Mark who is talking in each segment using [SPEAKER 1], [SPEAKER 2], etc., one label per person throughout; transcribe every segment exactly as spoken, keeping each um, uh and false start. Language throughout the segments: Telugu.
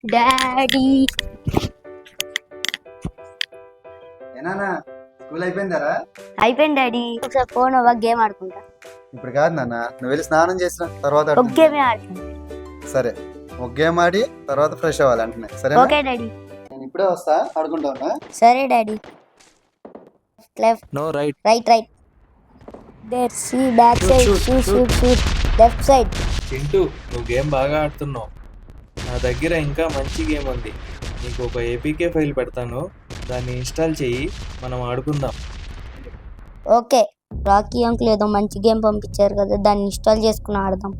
[SPEAKER 1] Daddy
[SPEAKER 2] ఏనానా school అయిపోయిందారా?
[SPEAKER 1] అయిపోయింది డాడీ. ఒకసారి ఫోన్ ఒక గేమ్ ఆడుకుంటా.
[SPEAKER 2] ఇప్పుడు కాదు నాన్న, నువ్వు వెళ్ళి స్నానం చేసిన తర్వాత
[SPEAKER 1] ఒక
[SPEAKER 2] ఆడుకుందాం.
[SPEAKER 1] గేమే ఆడుకుంటా.
[SPEAKER 2] సరే, ఒక గేమ్ ఆడి తర్వాత ఫ్రెష్ అవ్వాలి అంటున్నా. సరే,
[SPEAKER 1] ఓకే డాడీ.
[SPEAKER 2] నేను ఇప్పుడే వస్తా, ఆడుకుంటా.
[SPEAKER 1] సరే daddy. Left
[SPEAKER 3] no right.
[SPEAKER 1] Right right there see back side
[SPEAKER 3] Shoot,
[SPEAKER 1] shoot
[SPEAKER 3] shoot,
[SPEAKER 1] shoot shoot left side.
[SPEAKER 3] Chintu, నువ్వు గేమ్ బాగా ఆడుతున్నావు. నా దగ్గర ఇంకా మంచి గేమ్ ఉంది. నీకు ఒక ఏపీకే ఫైల్ పెడతాను, దాన్ని ఇన్స్టాల్ చెయ్యి, మనం ఆడుకుందాం.
[SPEAKER 1] ఓకే. రాకీ అంకుల్ ఏదో మంచి గేమ్ పంపించారు కదా, దాన్ని ఇన్స్టాల్ చేసుకుని ఆడదాం.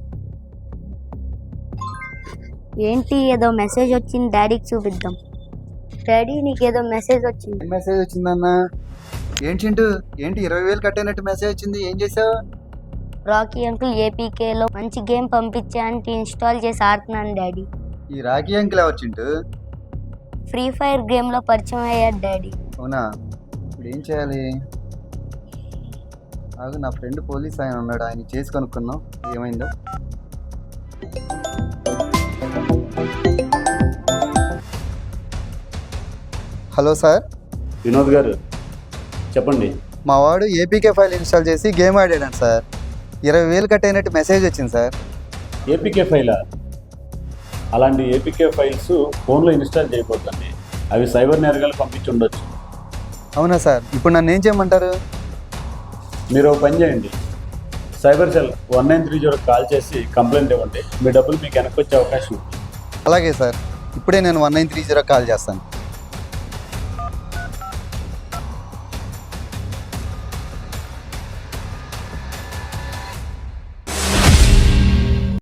[SPEAKER 1] ఏంటి ఏదో మెసేజ్ వచ్చింది, డాడీకి చూపిద్దాం. డాడీ నీకు ఏదో మెసేజ్ వచ్చింది.
[SPEAKER 2] ఏం మెసేజ్ వచ్చిందన్న? ఏంటి చింటూ, ఏంటి ఇరవై వేలు కట్టేనట్టు మెసేజ్ వచ్చింది? ఏం చేసావు?
[SPEAKER 1] రాకీ అంకుల్ ఏపీకేలో మంచి గేమ్ పంపించా అంటే ఇన్స్టాల్ చేసి ఆడుతున్నాను డాడీ.
[SPEAKER 2] ఈ రాఖీ అంకుల్ ఎవరు చింటూ?
[SPEAKER 1] ఫ్రీ ఫైర్ గేమ్లో పరిచయం అయ్యాడు డాడీ.
[SPEAKER 2] అవునా? ఇప్పుడు ఏం చేయాలి? ఆగు, నా ఫ్రెండ్ పోలీస్ ఆయన ఉన్నాడు, ఆయన చేసి కనుక్కున్నాం ఏమైందో. Hello sir.
[SPEAKER 4] వినోద్ గారు చెప్పండి.
[SPEAKER 2] మా వాడు ఏపీకే ఫైల్ ఇన్స్టాల్ చేసి గేమ్ ఆడాడు సార్. ఇరవై వేలు కట్టైనట్టు మెసేజ్ వచ్చింది సార్.
[SPEAKER 4] ఏపీకే ఫైలా? అలాంటి ఏపీకే ఫైల్స్ ఫోన్లో ఇన్స్టాల్ చేయకూడదండి, అవి సైబర్ నేరగాలు పంపించి ఉండొచ్చు.
[SPEAKER 2] అవునా సార్? ఇప్పుడు నన్ను ఏం చేయమంటారు?
[SPEAKER 4] మీరు ఒక పని చేయండి, cyber cell one nine three జీరోకి కాల్ చేసి కంప్లైంట్ ఇవ్వండి, మీ డబ్బులు మీకు వెనక్కి వచ్చే అవకాశం ఉంది.
[SPEAKER 2] అలాగే సార్, ఇప్పుడే నేను one nine three zero call చేస్తాను.